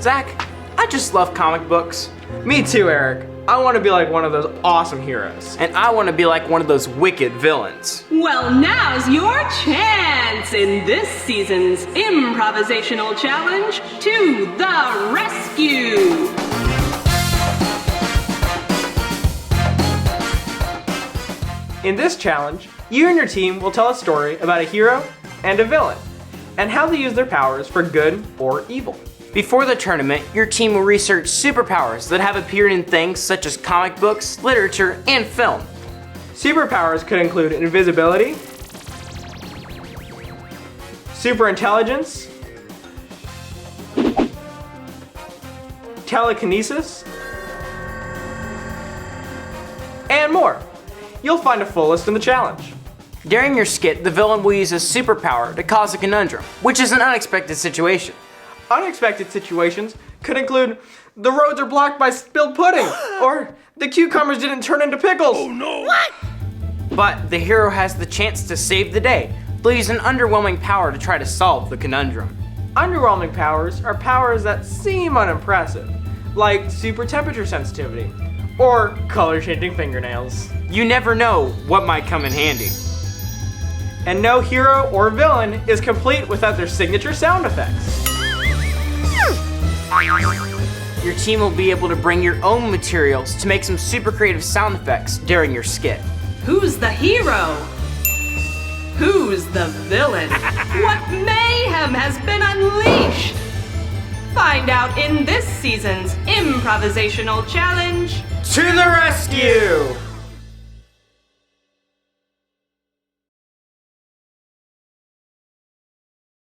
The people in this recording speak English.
Zach, I just love comic books. Me too, Eric. I want to be like one of those awesome heroes. And I want to be like one of those wicked villains. Well, now's your chance in this season's improvisational challenge to the rescue. In this challenge, you and your team will tell a story about a hero and a villain, and how they use their powers for good or evil. Before the tournament, your team will research superpowers that have appeared in things such as comic books, literature, and film. Superpowers could include invisibility, superintelligence, telekinesis, and more. You'll find a full list in the challenge. During your skit, the villain will use a superpower to cause a conundrum, which is an unexpected situation. Unexpected situations could include the roads are blocked by spilled pudding, or the cucumbers didn't turn into pickles. Oh no! What? But the hero has the chance to save the day. They'll use an underwhelming power to try to solve the conundrum. Underwhelming powers are powers that seem unimpressive, like super temperature sensitivity, or color changing fingernails. You never know what might come in handy. And no hero or villain is complete without their signature sound effects. Your team will be able to bring your own materials to make some super creative sound effects during your skit. Who's the hero? Who's the villain? What mayhem has been unleashed? Find out in this season's improvisational challenge. To the rescue!